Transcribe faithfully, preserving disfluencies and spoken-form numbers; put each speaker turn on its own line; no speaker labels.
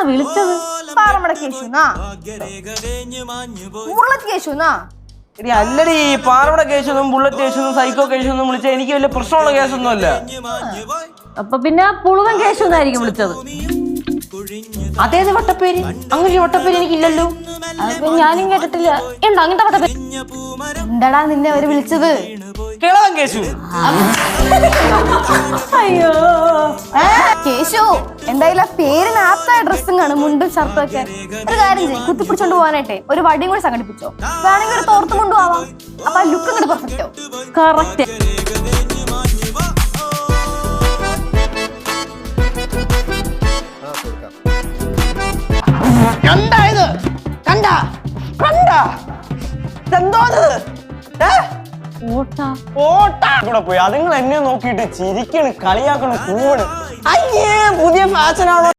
വിളിച്ചത്?
പാറമട കേശുനാ ബുള്ളറ്റ് കേശുനാ?
എടി അല്ലടി, പാറമട കേസൊന്നും ബുള്ളറ്റ് കേസൊന്നും സൈക്കോ കേസൊന്നും വിളിച്ചാൽ എനിക്ക് വലിയ പ്രശ്നമുള്ള കേസൊന്നും അല്ല.
അപ്പൊ പിന്നെ പുളുവൻ കേശു എന്നായിരിക്കും വിളിച്ചത്.
അതേത് വട്ടപ്പേര്? അങ്ങനെ വട്ടപ്പേര് എനിക്കില്ലല്ലോ.
അപ്പൊ ഞാനും കേട്ടിട്ടില്ല. ഉണ്ടോ അങ്ങനത്തെ വട്ടപ്പേര്?
എന്താടാ നിന്നെ അവര് വിളിച്ചത്?
കിളവൻ കേശു.
അയ്യോ
കേശു, എന്തായാലും ആ പേരിന് ആപ്തായ ഡ്രസ്സും ആണ്, മുണ്ടും ഷർട്ടും ഒക്കെ. ഒരു കാര്യം ചെയ്യും, കുത്തിപ്പിടിച്ചോണ്ട് പോകാനായിട്ടെ ഒരു വടിയും കൂടി സംഘടിപ്പിച്ചോ. വേണമെങ്കിൽ ഒരു തോർത്തും കൊണ്ടുപോവാം. അപ്പൊ ആ ലുക്ക് ഇങ്ങോട്ട് പെർഫെക്റ്റോ.
കറക്റ്റ്.
കണ്ടായത് കണ്ട കണ്ട എന്തോ ഓട്ടാ കൂടെ പോയി. അതുങ്ങൾ എന്നെ നോക്കിയിട്ട് ചിരിക്കണ്, കളിയാക്കണ്, കൂവണ്. അയ്യേ പുതിയ ഫാഷനാണോ?